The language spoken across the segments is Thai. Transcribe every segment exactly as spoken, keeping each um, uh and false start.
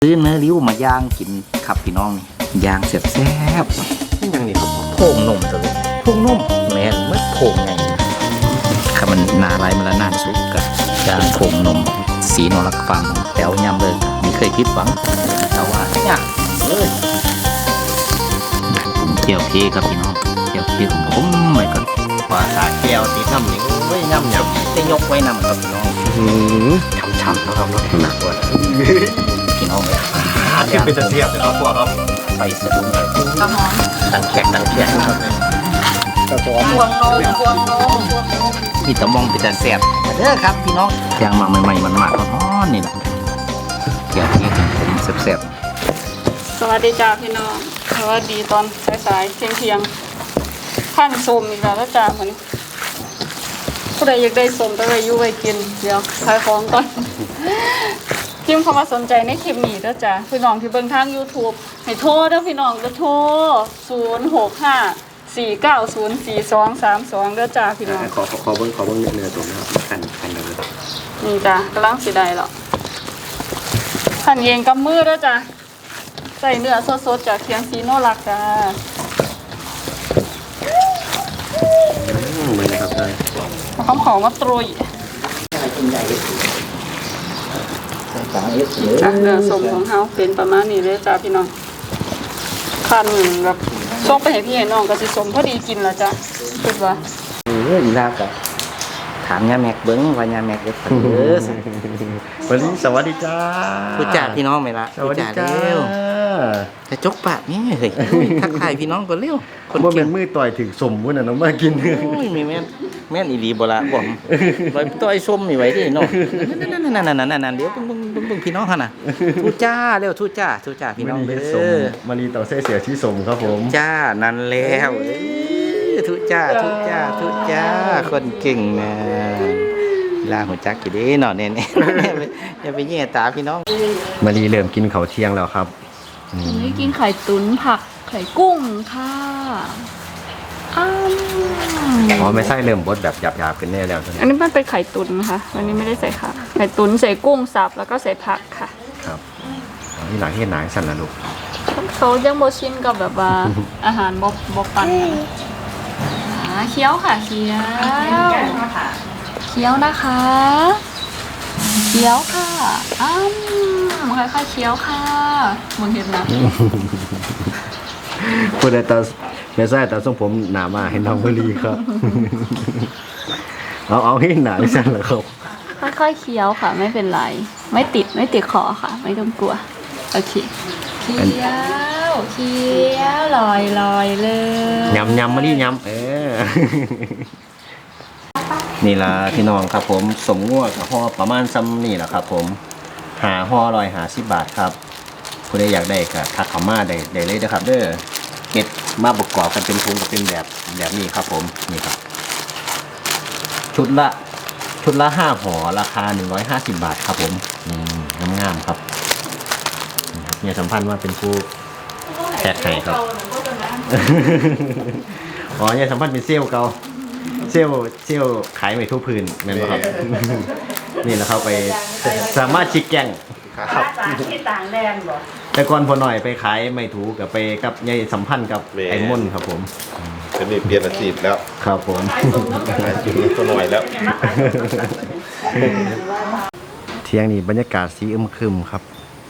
ซื้อเนื้อริ้วมาย่างกินครับพี่น้องนี่ย่างเสียบแซ่บนี่ยังนี่ครับโป่งนมตัวนี้โป่งนมแม่นเมื่อโป่งไงครับมันนาลายมันละนานสุกกับย่างโป่งนมสีนรักฟังแถวยำเลยมีเคยคิดหวังแต่ว่าเนี่ยเลยเกี่ยวเพครับพี่น้องเกี่ยวเพของผมไปก่อนว่าสาแก้วตีน้ำหนิงไว้น้ำหยำได้ยกไว้น้ำครับพี่น้องช้ำๆนะครับรถหนักด้วยพี่น้องเลยที่เป็นเสียบนะครับพวกครับไปสะดุ้งเลยกระหอนดังแขกดังแขกครับกระหอนพวงนมพวงนมมีตะมองเป็นแต่แซ่บเด้อครับพี่น้องย่างมาใหม่ๆมันมากร้อนนี่แหละเกี่ยวที่ผมแซ่บๆสวัสดีจ้าพี่น้องสวัสดีตอนสายๆเที่ยงเที่ยงท่านส้มอีกแล้วจ้าเหมือนผู้ใดอยากได้ส้มต้องไปยุ่งไปกินเดี๋ยวขายของก่อนพิมพ์เข้ามาสนใจในคลิปนี้เด้อจ้าพี่น้องที่เบิ่งทาง YouTube ให้โทรเด้อพี่น้องก็โทรศูนย์ หก ห้า สี่ เก้า ศูนย์ สี่ สอง สาม สองเด้อจ้าพี่น้องขอขอเบิ้งขอเบิ้งเนื้อตัวนะครับคันคันเลยนี่จ้ากำลังสิได้แล้วหั่นเองกับมือเด้อจ้าใส่เนื้อสดๆจากเคียงซีโนรักจ้าเหมือนนะครับได้เขาขอมาตรุยจ้าเนื้อสมของเขาเป็นประมาณนี้เลยจ้าพี่น้องคันแบบส่งไปให้พี่ให้น้องก็สิสมพอดีกินละจ้าคิดว่าเอออีลาบกับถามยาแม็กเบิ้งว่ายาแม็กเด็ดเออวันนี้สวัสดีจ้าพูดจ่าพี่น้องไหมล่ะสวัสดีจ้าจะจกปากนี่เฮ้ยทักทายพี่น้องก่อนเร็วคนว่าเป็นมือต่อยถึงสมวุ้นน่ะน้องมากินโอ้ยมีแม่นแม่นอีหลีบ่ละบ่มไว้ต่อยส้มนี่ไว้ที่น้องนั่นๆๆๆๆเดี๋ยวเบิ่งๆๆๆพี่น้องหั่นน่ะทูจ้าเร็วทูจ้าทูจ้าพี่น้องเด้อมารีเต่าเส้เสียที่สมครับผมจ้านั่นแล้วทูจ้าทูจ้าทูจ้าคนเก่งนะลาหัวจักอยู่ดิเนาะเนี่ยอย่าไปแย่ตาพี่น้องมารีเริ่มกินข้าวเที่ยงแล้วครับวันนี้กินไข่ตุ๋นผักไข่กุ้งค่ะอ้าวอ๋อไม่ใช่เริ่มบดแบบหยาบๆกันแน่แล้วอันนี้มันเป็นไข่ตุ๋นนะคะวันนี้ไม่ได้ใส่ค่ะไข่ตุ๋นใส่กุ้งสับแล้วก็ใส่ผักค่ะครับนี่หลังที่หนังสั่นนะลูกเขายังโมชินกับแบบว่าอาหารบบบปันเคี้ยวค่ะเคี้ยวเคี้ยวนะคะเคี้ยวค่ะอ้าวค่อยๆเคี้ยวค่ะมึงเห็นนะพูดแต่ตาไม่ใช่แต่ทรงผมหนามาให้น้องมารีครับเอาเอาให้หนาสั่นเหรอครับค่อยๆเคี้ยวค่ะไม่เป็นไรไม่ติดไม่ติดคอค่ะไม่ต้องกลัวโอเคเคี้ยวเคี้ยวลอยลอยเลยยำยำมารียำเออนี่ล่ะพี่น้องครับผมสมงัวกับห่อประมาณซ้ำนี่แหละครับผมหาห่อร้อยหาสิบบาทครับผู้ใดอยากได้ก็ทักเข้ามาได้ได้เลยนะครับเด้อเก็บมาประกอบกันเป็นทุงกับเป็นแบบแบบนี้ครับผมนี่ครับชุดละชุดละห้าห่อราคาหนึ่งร้อยห้าสิบบาทครับผมงามงามครับเนี่ยสัมพันธ์ว่าเป็นผู้แพทย์ให้ครับอ๋อเนี่ยสัมพันธ์เป็นเซลล์เก่าเซลล์เซลล์ขายไม่ทั่วพื้นแม่นบ่ครับนี่แหละครับไปสามารถชิกแกงครับที่ต่างแดนบ่แต่ก่อนพอหน่อยไปขายไม่ถูกกับไปกับยายสัมพันธ์กับไอ้ม่นครับผมจะมีเปลี่ยนอาชีพแล้วครับผมพอหน่อยแล้วเที่ยงนี้บรรยากาศสีอึมครึมครับ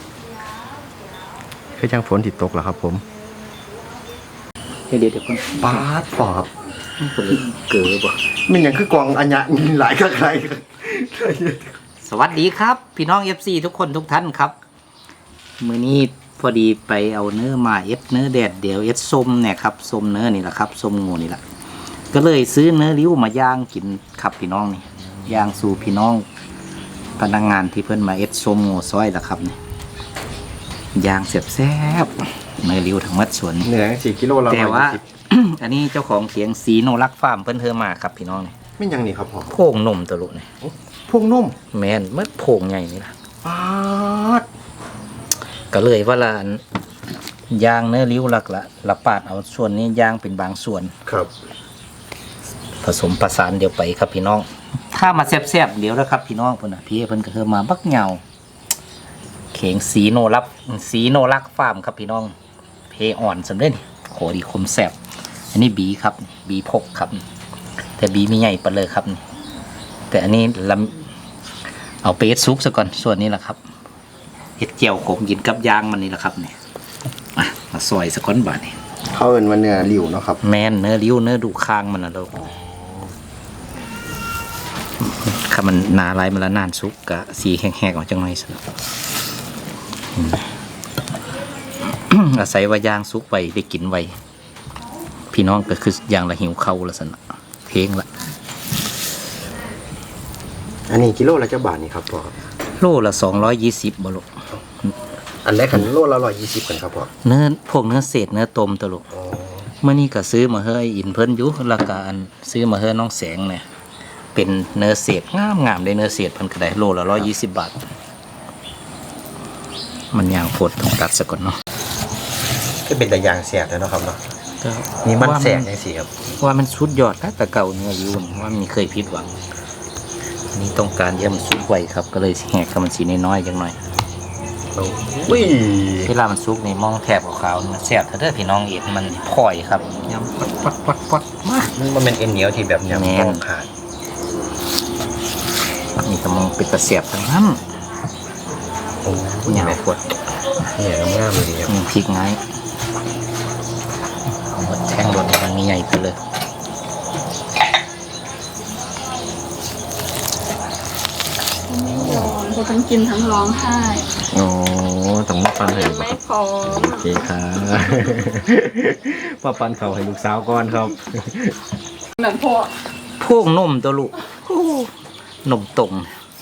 คือช่างฝนติดตกแล้วครับผมเดี๋ยวเดี๋ยวก่อนปาดปอบเกิดบ่มันยังคือกองอัญญะมีหลายกับใครสวัสดีครับพี่น้อง เอฟ ซี ทุกคนทุกท่านครับมื้อนี้พอดีไปเอาเนื้อมาเอฟเนื้อแดดเดี๋ยวเอฟส้มเนี่ยครับส้มเนื้อนี่แหละครับส้มงูนี่แหละก็เลยซื้อเนื้อริ้วมาย่างกินครับพี่น้องนี่ย่างสู่พี่น้องพนักงานที่เพิ่นมาเอฟส้มงูซอยละครับนี่ย่างเสียบแซ่บเนื้อริ้วทั้งมัดสวนเนื้อสี่กิโลละแต่ว่าอันนี้เจ้าของเขียงสีโนรักฟาร์มเพิ่นเธอมาครับพี่น้องนี่ไม่ยังนี่ครับพ่อโพ่งนมตะลุนี่โพ่งนมแม่นเมื่อโพ่งใหญ่นี่ล่ะปาดก็เลยว่าละย่างเนื้อริ้วหลักละละปาดเอาส่วนนี้ย่างเป็นบางส่วนครับผสมประสานเดียวไปครับพี่น้องถ้ามาแซ่บๆเดี๋ยวนะครับพี่น้องเพิ่นน่ะพี่เพิ่นก็เธอมาบักเหงาแขเข่งสีโนรับสีโนรักฟาร์มครับพี่น้องเพอ่อนสำเร็จโขดีคมแสบอันนี้บีครับบีพกครับแต่บีไม่ใหญ่ปะเลยครับแต่อันนี้ลำเอาไปเอ็ดซุปซะก่อนส่วนนี้แหละครับเห็ดเจียวขมกินกับยางมันนี่แหละครับเนี่ยมามาซอยสะก้อนบาทนี่เขาเป็นวันเนื้อริ้วเนาะครับแมนเนื้อริ้วเนื้อดูคางมันนะเราถ้ามันหนาลายมันละนานซุปกะสีแห้งๆออกจังหน่อยสิอาศัยว่ายางซุปไว้ได้กินไว้พี่น้องก็คืออย่างละหิวเข้าละสนะเพลงละอันนี้กิโลละเจ้าบาทนี่ครับพ่อโลละสองร้อยยี่สิบบาทอันแรกขันโลละร้อยยี่สิบกันครับพ่อเนื้อพวกเนื้อเศษเนื้อต้มตลกอ๋อเมื่อนี้ก็ซื้อมาเฮ้ยอินเพิ่นอยุราคาอันซื้อมาเฮ้ยน้องแสงเนี่ยเป็นเนื้อเศษงามงามได้เนื้อเศษเพิ่นก็ได้โลละร้อยยี่สิบบาท มันยางโพดต้องตัดซะก่อนเนาะก็เป็นแต่ยางแสบแล้วเนาะครับเนาะก็นี่มันว่าแสบยังสิครับว่ามันสุดยอดนะแต่เก่าเนื้ออยู่นี่ว่ามีเคยผิดหวังอันนี้ต้องการเยี่ยมนสุกไวครับก็เลยแหกกับมันสีน้อยๆจังหน่อยอุ้ยเวลามันสุกนี่มองแถบขาวๆมันแซ่บถ้าเด้อพี่น้องเอ็ดมันพลอยครับยำปัดปัดปัดปัดมามันเป็นเอ็นเหนียวที่แบบยำแม่นต้องขาดนี่ก็มองเป็นตะเสียบทั้งนั้นโอ้ยยาวแม่ปวดเนี่ยงามเลยครับมีพริกไงหมดแท่งรถมันมีใหญ่ไปเลยร้อนก็ทั้งกินทั้งร้องไห้โอ้ต้องมาปันให้ยังไม่พร้อมโอเคครับมาปันเขาให้ลูกสาวก่อนครับเหมือนพ่อพวกนมตัวลูกนมตรง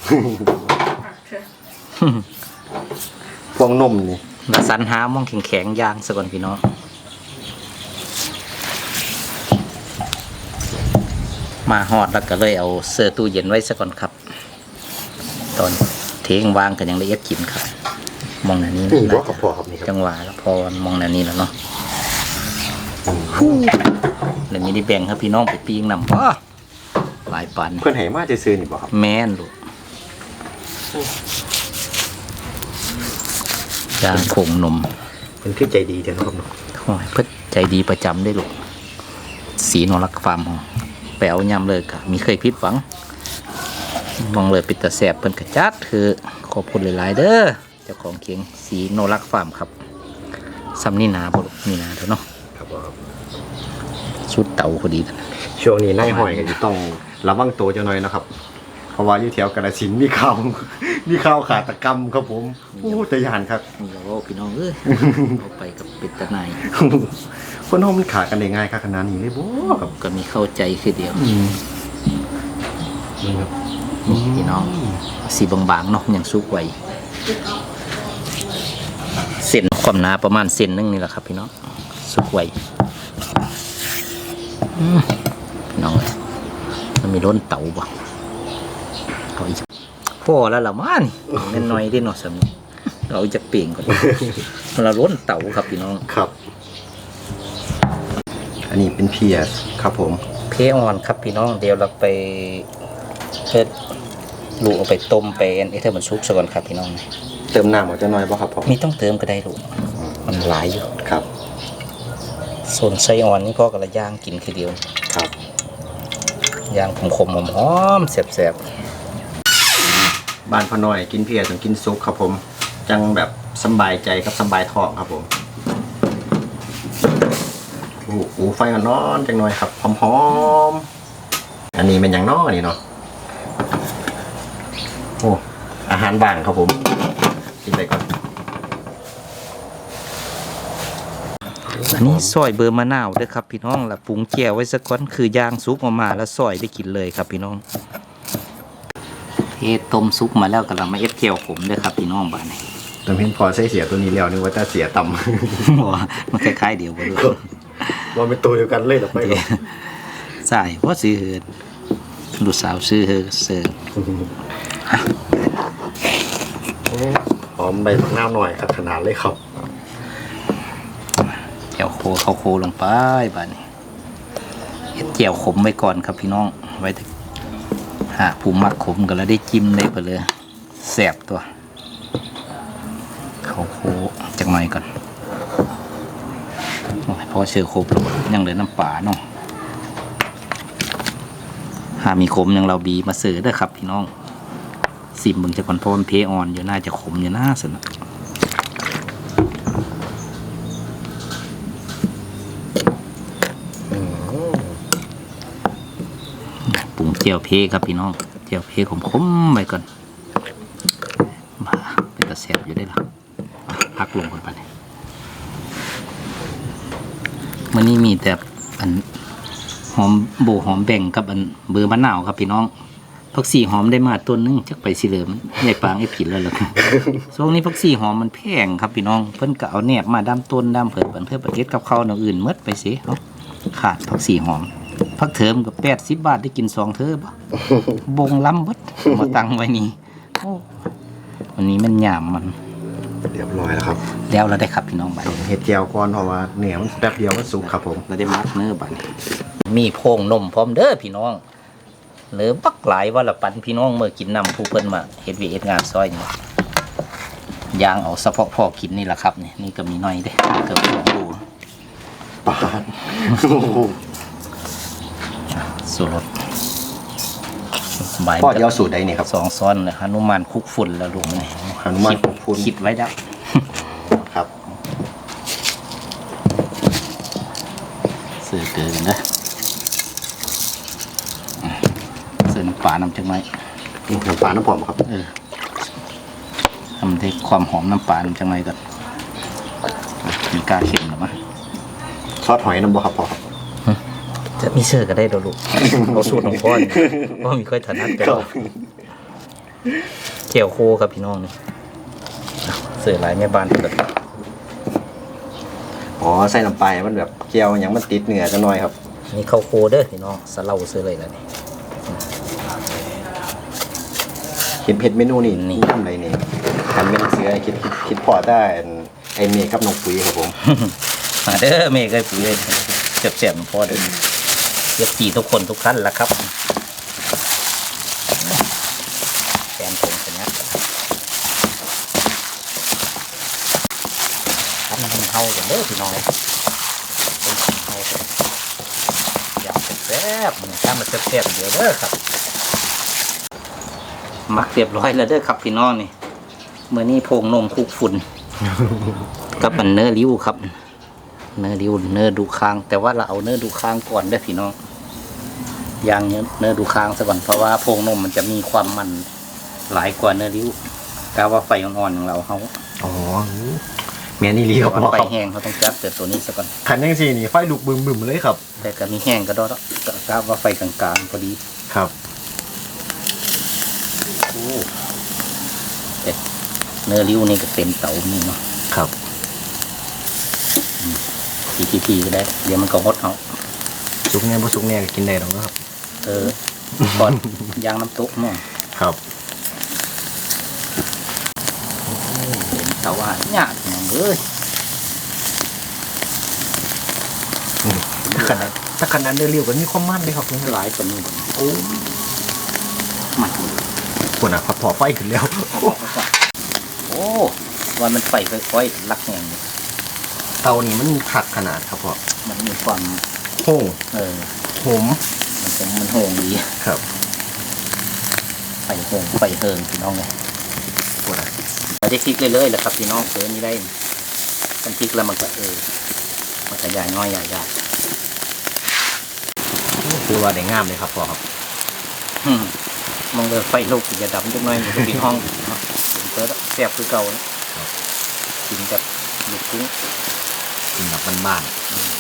พวงนมนี่แล้วสันหามองแข็งๆย่างซะก่อนพี่น้องมาฮอดแล้วก็เลยเอาเสื้อตู้เย็นไว้ซะก่อนครับ ตอนเทงวางกันยังละเอียดกินครับ มองหน้านี้นี่บอกกับพ่อครับนี่ครับจังหวะแล้วพอมองหน้านี้แล้วเนาะเดี๋ยวนี้ได้แบ่งครับพี่น้องไปปีงนำพ่อหลายปันเพื่อนให้มาจะซื้อนี่บ่ครับแม่นลูกยางผงนมเป็นคือใจดีเถอะเนาะครับเนาะโอ้ยเพื่อใจดีประจำได้ลูกสีนรักฟาร์มของแปลวยำเลยกะมีเคยพิดหวังมองเลยปิดตาแสบเพิ่นกระจัดคือขอบคุณหลายๆเด้อเจ้าของเคียงสีโนรักฟาร์มครับซ้ำนี่นาบ่ลูกนี่นาเถอะเนาะครับพ่อครับชุดเต่าพอดีนะช่วงนี้นายห้อยก็จะต้องระวังตัวเจ้าหน่อยนะครับ เพราะว่าอยู่แถวกาฬสินธุ์มีข่าว มีข่าวขาตกรรมครับผมโอ้ตะยานครับนี่เราก็พี่น้องเอ้ยเอาไปกับปิดตาในายคนน้องมันขากันได้ง่ายครับขนาดนี้เลยบ่ครับก็มีเข้าใจคือเดียวอืมนี่ครับนี่พี่น้องสีบางๆเนาะอย่างสุกไวเส้นความหนาประมาณเส้นหนึงนี่แหละครับพี่น้องสุกไวอืมพี่น้องเอ้ยมันมีล้นเต่าบ่เอาอีกพอแล้วละมานี่แม่นน้อยได้เนาะสามีเราเอาจะเปลี่ยนก่อนเราล้นเต่าครับพี่น้องครับ อันนี้เป็นเพียสครับผมเพอ่อนครับพี่น้องเดี๋ยวเราไปเฮ็ดลูกเอาไปต้มไปอันนี้เธอมันซุกซะก่อนครับพี่น้องเติมน้ำหมดจะน้อยป่ะครับผมมีต้องเติมก็ได้ลูกมันหลายอยู่ครับส่วนไส้อ่อนนี่ก็กระย่างกินคือเดียวครับย่างขมๆหอมๆแซ่บบ้านพ่อน้อยกินเพียต้องกินซุปครับผม จังแบบสบายใจกับสบายท้องครับผมโอ้โหไฟมันร้อนจังหน่อยครับหอมๆอันนี้เป็นอย่างน้อนี่เนาะโอ้อาหารบ้านครับผมกินไปก่อนๆอันนี้ซอยเบอร์มะนาวด้วยครับพี่น้องแล้วปรุงแจ่วไว้สักก้อนคือย่างซุปออกมาแล้วซอยได้กินเลยครับพี่น้องเทต้มซุปมาแล้วกำลังมาเอฟเจียวผมด้วยครับพี่น้องบ้านนี้ตอนเพ็นพอใส่เสียตัวนี้แล้วนึกว่าจะเสียต่ำว่ามันคล้ายๆเดียวกันด้วยว่าเป็นตัวเดียวกันเลยหรอไปก่อนใช่เพราะซื้อเฮินลูกสาวซื้อเฮินเสิร์ฟหอมใบมะนาวหน่อยครับขนาดเลยครับแจ่วโคเข้าโคลงไปบ้านนี้เฮ็ดแจ่วขมไว้ก่อนครับพี่น้องไว้หาผู้มักขมก็แล้วได้จิ้มได้ไปเลยแสบตัวเขาโคจักหน่อยก่อนโอ้ยพอเชื่อครบแล้วยังเหลือน้ำปลาเนาะหามีขมยังเราบีมาเสือได้ครับพี่น้องสิบมึงจะก่อนเพราะมันเพออนอยู่น่าจะขมอยู่น่าสนะปรุงเจียวเพครับพี่น้องเจียวเพขมๆไปก่อนมาเป็นตะแสบอยู่ได้หรอพักลงกันไปเลยมันนี่มีแต่อันหอมโบหอมแบ่งกับอันเบอร์มะนาวครับพี่น้องผักชีหอมได้มาต้นนึงจักไปสิเหลิมใหญ่ปางไอ้ผิดแล้วล่ะช่วงนี้ผักชีหอมมันแพงครับพี่น้องเพิ่นก็เอาแหนบมาดำต้นดำเผิดเพิ่นเพื่อประเทศกับข้าวอย่างอื่นหมดไปสิเนาะขาดผักชีหอมผักเถิมกับแปดสิบบาทได้กินสองเทอบ่บงล้ำบดมาตั้งไว้นี่โอ้วันนี้มันหยามมันเรียบร้อยแล้วครับแล้วเราได้ครับพี่น้องบัดเห็ดแก้วก่อนเพราะว่าเหนียวมันแป๊บเดียวมันสุกครับผมเราได้มัดเนื้อบัดมีโพงนมพร้อมเด้อพี่น้องหรือปักหลายว่าละปันพี่น้องเมื่อกินน้ำผู้เพิ่นมาเฮ็ดวีเอ็ดงานซอยนี่ยางเอาเฉพาะพอกินนี่แหละครับนี่นี่ก็มีน้อยเด้เกือบสองดูปาดสูตรพ่อเดียวสูตรใดนี่ครับสองซ้อนเลยฮนุมานคุกฝุ่นแล้วลุงนี่ฮนุมานคุกฝุ่นคิดไว้แล้วครับเสือเกินนะเสือน้ำปลาน้ำจังไหมน้ำปลาน้ำผอมครับเออทำได้ความหอมน้ำปลาน้ำจังไหมก่อนมีกาเค็มหรือมั้ยซอสหอยน้ำบ่ครับพ่อจะมีเสือก็ได้ดอกลูกเราสูตรของพ่อพ่อมีค่อยถนัดกันเกี่ยวโคกับพี่น้องนี่เสือหลายแม่บ้านเกิดอ๋อใส่น้ำปลามันแบบเกี๊ยวอย่างมันติดเนื้อจะน้อยครับนี่ข้าวโคเด้อพี่น้องสะเล่าซื้อเลยแล้วนี่เห็นเผ็ดเมนูนี่นี่ทำอะไรนี่ทำเมนูเสือคิดคิดพอได้ไอเมย์กับน้องปุ๋ยครับผมมาเด้อเมย์กับปุ๋ยเจ็บเจ็บพอเด้อเย็บจีทุกคนทุกท่านละครับแกนผมชนะทำมันเฮากันเด้อพี่น้องอยากแซ่บมันถ้ามันแซ่บเดี๋ยวเด้อครับมักเรียบร้อยแล้วเด้อครับพี่น้องนี่เมื่อนี้โพงนมคุกฝุ่นกับมันเนื้อริ้วครับเนื้อริ้วเนื้อดูคางแต่ว่าเราเอาเนื้อดูคางก่อนเด้อพี่น้องย่างเนื้อดูคางซะก่อนเพราะว่าโพงนมมันจะมีความมันหลายกว่าเนื้อริ้วกาว่าไฟอ่อนๆของเราเขาอ๋อแม่นี่ริ้วไฟแห้งเขาต้องจับแต่ตัวนี้ซะก่อนขันยังสี่นี่ไฟลุกบึมๆเลยครับแต่ก็มีแห้งก็ได้กาว่าไฟกลางๆพอดีครับโอ้เนื้อริ้วนี่ก็เต็มเตานี่เนาะครับทีทีทีก็ได้เดี๋ยวมันก็ฮดเอาสุกเนี่ยพอสุกเนี่ยกินได้หรอกครับเออก่อนยางน้ำตุ๊กเนี่ยครับเต็มเตาอ่ะเนี่ยเอ้ยถ้าขนาดถ้าขนาดเนื้อริ้วก็มีความมันเลยครับหลายกว่านี้โอ้มันคนอ่ะพอไฟขึ้นแล้วโอ้วันมันไฟค่อยๆลักแหงเตานี่มันผักขนาดครับพ่อมันมีความโห่เออโหมมันเป็นมันโหงดีครับไฟโหงไฟเฮิงพี่น้องเลยเราได้พลิกเลยๆแหละครับพี่น้องเสือนี่ได้มันพลิกแล้วมันก็เออมันขยายน้อยใหญ่ใหญ่คือว่าได้งามเลยครับพ่อครับมองเลยไฟลุกจะดับจังหน่อยมันก็ปิดห้องเปิดแซ่บคือเก่านะกินกับลูกกุ้งกินแบบบ้าน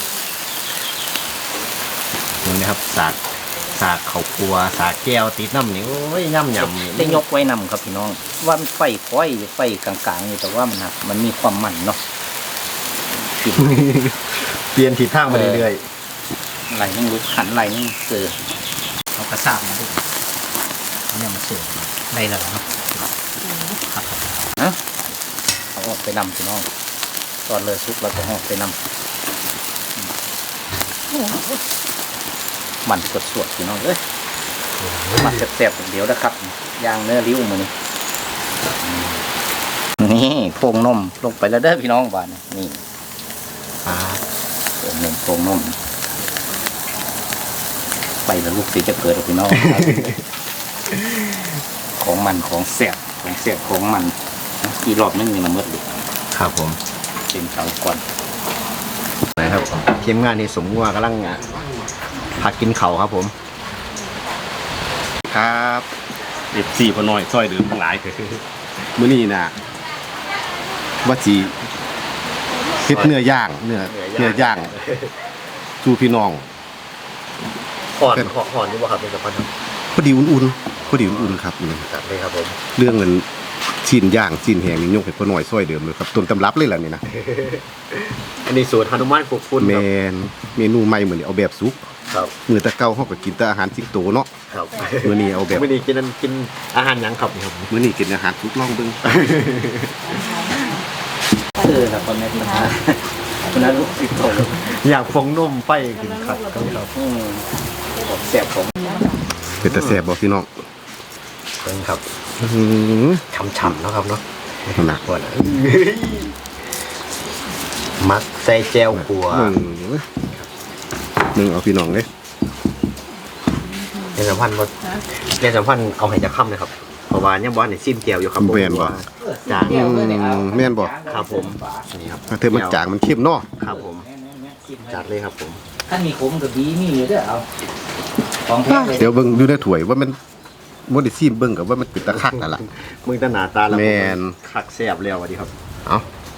ๆนี่นะครับสากสากเขาครัวสากแก้วติดน้ำนี่โอ้ยย่ำย่ำได้ยกไว้นำครับพี่น้องว่ามันไฟค่อยไฟกลางๆอยู่แต่ว่ามันมันมีความมันเนาะเปลี่ยนทิศทางมาเรื่อยๆไหลนั่งลุกหันไหลนั่งเสือเอากระซาบมาดูเนี่ยมันเสือได้แล้วเนาะครับนะเอาออกไปนำพี่น้องตอนเลยซุปเราจะออกไปนำมันสดสดพี่น้องเอ้ยมันแซ่บๆเดี๋ยวนะครับย่างเนื้อริ้วมือนี่นี่นี่โพงนมลงไปแล้วเด้อพี่น้องบ้านนี่อ่าโพงนมโพงนมไปแล้วลูกสิจะเกิดพี่น้อง ของมันของเสียบของเสียบของมันกี่รอบนึงนี่มันหมดเลยครับผมเป็นเตาก่อนนะครับทีมงานนี่สมว่ากำลังพักกินเข่าวครับผมครับเอฟซีพอน้อยซอยเดิมทั้งหลายมื้อนี้น่ะว่าสิเฮ็ดเนื้อย่างเนื้อเนื้อย่างสู่พี่น้องห่อนห่อนนี่บ่ครับเป็นสะพานพอดีอุ่นๆพอดีอุ่นๆครับนี่จัดเลยครับผมเรื่องเงินชิ้นย่างชิ้นแห้งนี่ยกให้พอน้อยซอยเดิมเลยครับต้นตำรับเลยล่ะนี่นะอันนี้สูตรฮานุมานคุกฟุ้นแมครับนเมนูใหม่มื้อนี้เอาแบบสุกครับมื้อแตะเก่าเฮาก็กินแต่อาหารสิงโตเนาะครับมื้อนี้เอาแบบมื้อนี้กินอันกินอาหารหยังครับนี่ครับมื้อนี้กินอาหารสุกลองเบิ่งเออครับคนนี้นะคนนั้นลูกสิโตอยากฟองนมไฟกินครับครับอืมของเสียบของเป็นตาแซ่บบ่พี่น้องเป็นครับอื้อหือฉ่ำๆเนาะครับเนาะหนักก่อนมักใส่แจวขัวหนึ่งหนึ่งเอาพี่น้องเลยในสัมพันธ์บ่ในสัมพันธ์เอาให้จะค่ำเลยครับเพราะว่ายังบ่ได้ซิมแจวอยู่ครับผมแม่นบ่จางอืมแม่นบ่ครับผมนี่ครับถ้าเธอมันจางมันเข้มเนาะครับผมจัดเลยครับผมถ้ามีขมกับดีมีอยู่เด้อเอาของแท้เลยเดี๋ยวเบิ่งดูในถ้วยว่ามันบ่ได้ซีมเบิ่งกับว่ามันเป็นตะคักนั่นล่ะมึงตาหน้าตาแล้วแม่นคักแซ่บแล้วสวัสดีครับเอา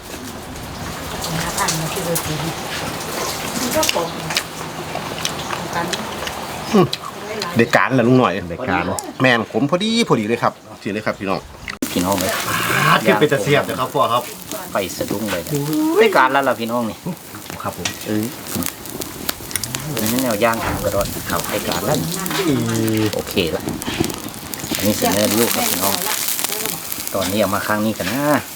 เด็กการล่ะลุงหน่อยรายการแม่นผมพอดีพอดีเลยครับสิเลยครับพี่น้องพี่น้องเลยคือเป็นตะเสียบนะครับพ่อครับไปสะดุ้งเลยได้การแล้วล่ะพี่น้องนี่ครับผมเออนี่แนวย่างทำกระโดดเขาให้การแล้วโอเคละอันนี้เสนอลูกครับพี่น้องตอนนี้เอามาข้างนี้กันนะ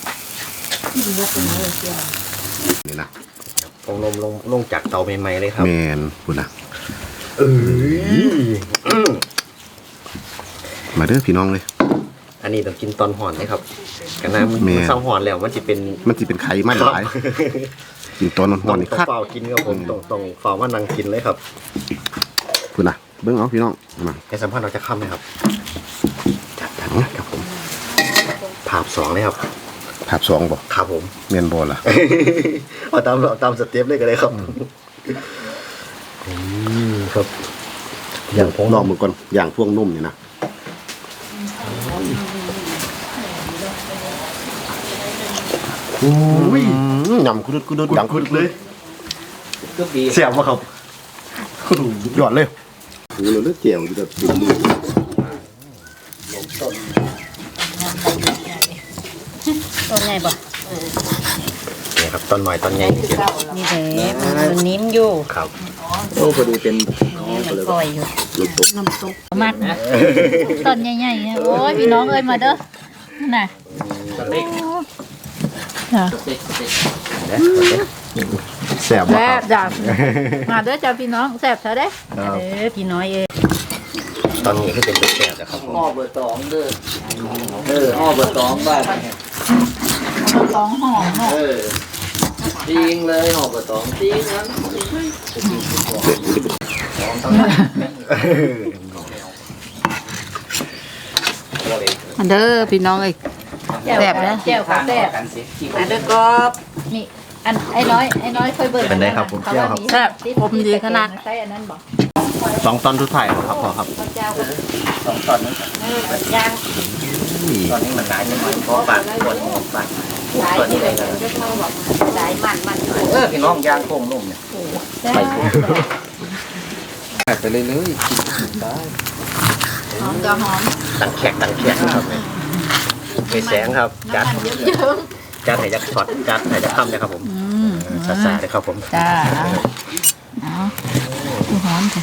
นี่นะลงลงลงลงจากเตาใหม่ๆเลยครับแม่นพุ่นน่ะเอ้ยมาเด้อพี่น้องเลยอันนี้ต้องกินตอนห่อนเลยครับกันนะมันแม่เศร้าห่อนแล้วมันจะเป็นมันสิเป็นไขมันหลายกินตอนร้ต้ออน งๆนี่ต้องคักเฝ้ากินครับผมต้องต้องเฝ้าว่านั่งกินเลยครับพุ่นน่ะเบิ่งเอาพี่น้องมาในสัมพันธ์เราจะค้ำไหมครับจัดจัดจัดครับผมภาพสองเลยครับภาพสองบ่ครับผมแม่นบ่ล่ะเอาตามเอาตามสเต็ปเลยก็ได้ครับอืมครับ อย่างพงลองมือก่อนอย่างพวงนุ่มนี่นะโอ้ยยำคุดคุดดังคุดเลยก็ดีเสียบวะครับหยอดเลยโอ้เราเลือกเจียวอยู่แบบดูมือตัวใหญ่บ่นี่ครับต้นหน่อยต้นใหญ่จริงนี่แหละมันนิ่มอยู่ๆครับโอ้พอดีเป็นมันปล่อยอยู่น้ำซุปมากนะต้นใหญ่ๆเนี่ยโอ้ยพี่น้องเอ้ยมาเด้อน่ะเล็กจ้ะเล็กเล็กเสียบวะแซ่ครับ บจ้ะมาเด้อจ้ะพี่น้องแซ่บเถอะเด้เออพี่น้อยเอ้ยตอนนี้คือเป็นแซ่บนะครับผมห่อเบอร์สองเด้อเออห่อเบอร์สองบ้านสองห่อเนาะเออจริงเลยห่อเบอร์สองจริงนะมาเด้อพี่น้องเอ้ยแซ่บนะแซ่บค่ะแซ่บมาเด้อกอบนี่อันไอ้น้อยไอ้น้อยค่อยเบิ่งเป็นไรครับผมเที่ยวครับแซ่บผมดีขนาดใส่อันนั้นบ่สองตอนทุกถ่ายครับพ่อครับเจ้าก็สองตอนนี้เออย่างตอนนี้มันหลายจังหวะเพราะปากปวดหัวปากหลายที่เลยจะเข้าแบบหลายมันมันเออพี่น้องย่างโค้งนุ่มเนี่ยแซ่บไปเลยเลยหอมจะหอมตังแขกตังแขกนะครับไปแสงครับจัดน้ำมันเยอะจัดไหนจะช็อตจัดไหนจะค่ำเลยครับผมๆอืมสาสาเลยครับผมจ้าเอาดูหอมจ้ะ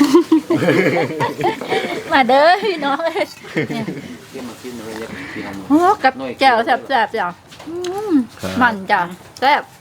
มาเด้อพี่น้องเอ้ยเนี่ยโอ้กับแจ่วแซ่บๆจ้ะอืมมันจ้ะแซ่บ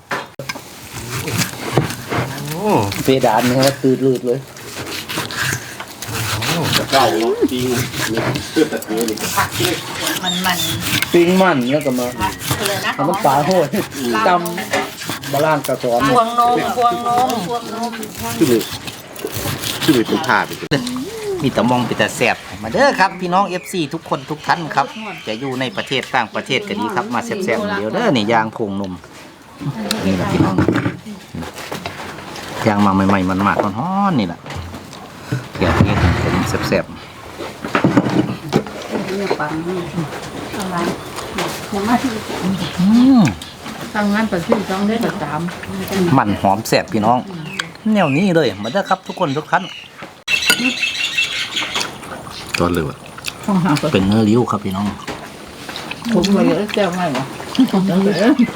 เพดานนี่ครับตืดลืดเลยเก่าเนาะจริงเพื่อตัดเนื้อนี่มันมันปิ้งมันแล้วก็มาเลยนะทำน้ำปลาโหดจำบาลานกระสอนพวงนมพวงนมพวงนมคือเลยคือเลยเป็นผ้าไปเลยมีแต่มองเป็นแต่แสบมาเด้อครับพี่น้อง เอฟ ซี ทุกคนทุกท่านครับจะอยู่ในประเทศต่างประเทศก็ดีครับมาแสบๆเดียวเด้อนี่ยางโพงนมนี่แหละพี่น้องยางมาใหม่ๆมันมากๆร้อนๆนี่แหละเกี่ยวกับผมแสบปังอะไรยังไม่ๆอืมทำงานประชุมต้องได้ประจมันหอมแสบพี่น้องแนวนี้เลยมาเด้อครับทุกคนทุกท่านตอนเลยว่ะำเป็นเนื้อริ้วครับพี่น้องผมมาเยอะแก้วไม่หรอจังเลย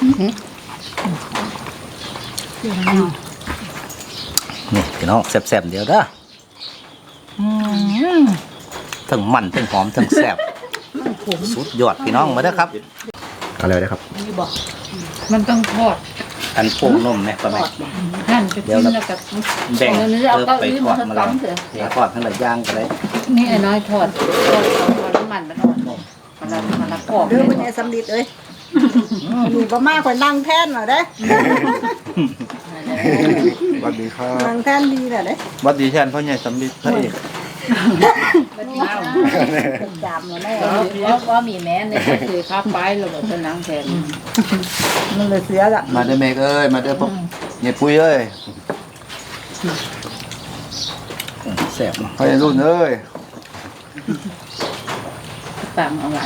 นี่พี่น้องแสบๆเดียวเด้ออืมทั้งมันทั้งหอมทั้งแสบสุดยอดพี่น้องมาเด้อครับอะไรนะครับมันต้องทอดอันโป่งนมเนี่ยก็ไม่หั่นไปกินแล้วกับแบ่งเนื้อเอเอาอเก้าไปอี้ทอมาดมาตั้แล้วงเถอะเดี๋ยวทอดทั้งหลายย่างก็ได้นี่ไอ้น้อยทอดทอดทอดน้ำมันมันอ่อนมันละมันละกรอบเด้อเป็นไงสำลิดเอ้ยมีบ่มากกว่านั่งแท่นหน่อยเด้สวัสดีครับนั่งแท่นดีแหละเด้วัดดีแทนพ่อใหญ่สำลิดพระเอกจามมาแน่ว่าว่ามีแม่ในคือข้าไปเราบอกจะนั่งแทนมันเลยเสียละมาเด้อเมกเอ้ยมาเด้อพวกเนี่ยปุ้ยเอ้ยแสบเนาะพ่อใหญ่รุ่นเอ้ยต่างเอาหวาน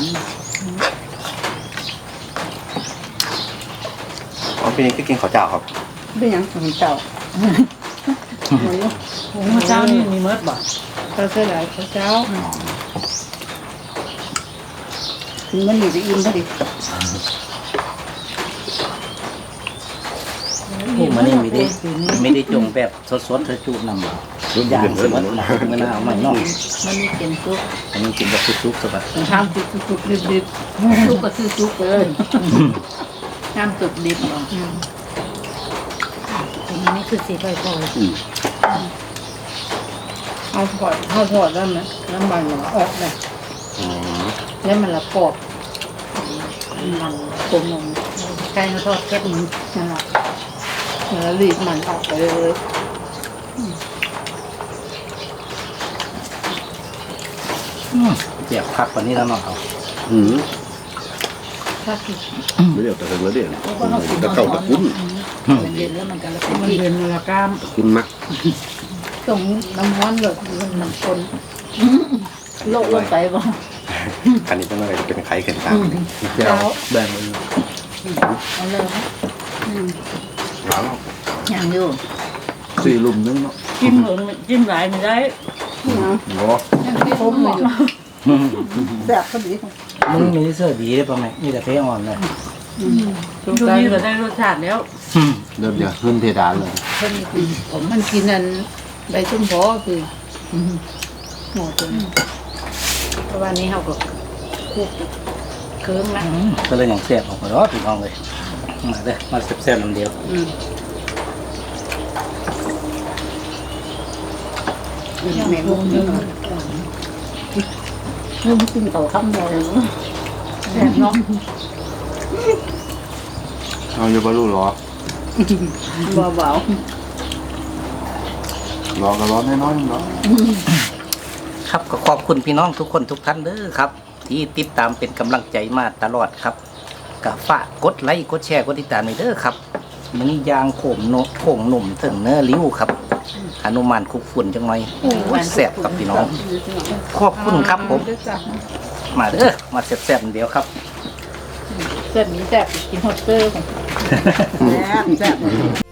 อ๋อปีนี้ก็กินข้าวเจ้าครับเป็นหยังของเจ้าพระเจ้านี่มีเมิดบ่เขาเสียหลายพระเจ้าถึงมันหนีจะอิ่มพอดีนี่มันนี่ไม่ได้ไม่ได้จงแบบสดๆเธอจูบนำมาอย่างสมมติมาเมื่อหน้าเอาใหม่น้องมันมีเป็นซุปอันนี้กินแบบซุกๆสบายห้ามซุปซุปดิบดิบซุปก็คือซุปเลยห้ามซุปดิบเนาะอันนี้คือสีไฟฟอยเอาถอดเอาถอดได้ไหมน้ำมันมันออกเลยแล้วมันละกรอบมันกลมลงใกล้ทอดแค่นี้นั่นแหละแล้วรีบมันออกไปเลยเจียบคักกว่านี้แล้วเนาะเขาอืมถ้าคือไม่เดี๋ยวแต่เนื้อเด่นตะเก่าตะคุ้นมันเย็นแล้วมันก็ละมันเย็นมันละกล้ามตะคุ้นมักตรงน้ำร้อนเลยมันมันคนโลกลงไปบ่อันนี้เป็นอะไรเป็นไข่เข็นตามเจียวแบ่งเลยเอาเลยนะหลังอย่างอยู่สี่ลุมนึงเนาะจิ้มเหลืองจิ้มหลายไม่ได้โอ้ยังที่ผมอยู่แซ่บพอดีมึงมีเสื้อดีได้ป่ะแม่มีแต่เพอ่อนเลยดูนี่ก็ได้รสชาติแล้วเริ่มจะขึ้นเพดานเลยเพิ่นกินผมมันกินอันใบส้มพอคือหมดเลยเพราะวันนี้เขาก็คุกเครื่องละก็เลยอย่างแซ่บออกมาแล้วพี่น้องเลยมาเด้อมาแซ่บๆน้ำเดียวอืมแม่งงอยู่เริ่มกินต่อคำเดียวเลยแซ่บเนาะเอาอยู่บรรลุหรอเบารอก็ร้อนน้อยๆเนาะครับก็ขอบคุณพี่น้องทุกคนทุกท่านเด้อครับ ที่ติดตามเป็นกำลังใจมาตลอดครับก็ฝากกดไลค์กดแชร์กดติดตามหน่อยเด้อครับมันนี่ยางโขมโนโขงหนุ่มถึงเนื้อริ้วครับหนุมานคุกฝุ่นจังหน่อยโอ้ยแซ่บครับพี่น้องขอบคุณครับผมมาเด้อมาแซ่บๆเดียวครับแซ่บมีแซ่บกินฮอตเตอร์ของแซ่บแซ่บ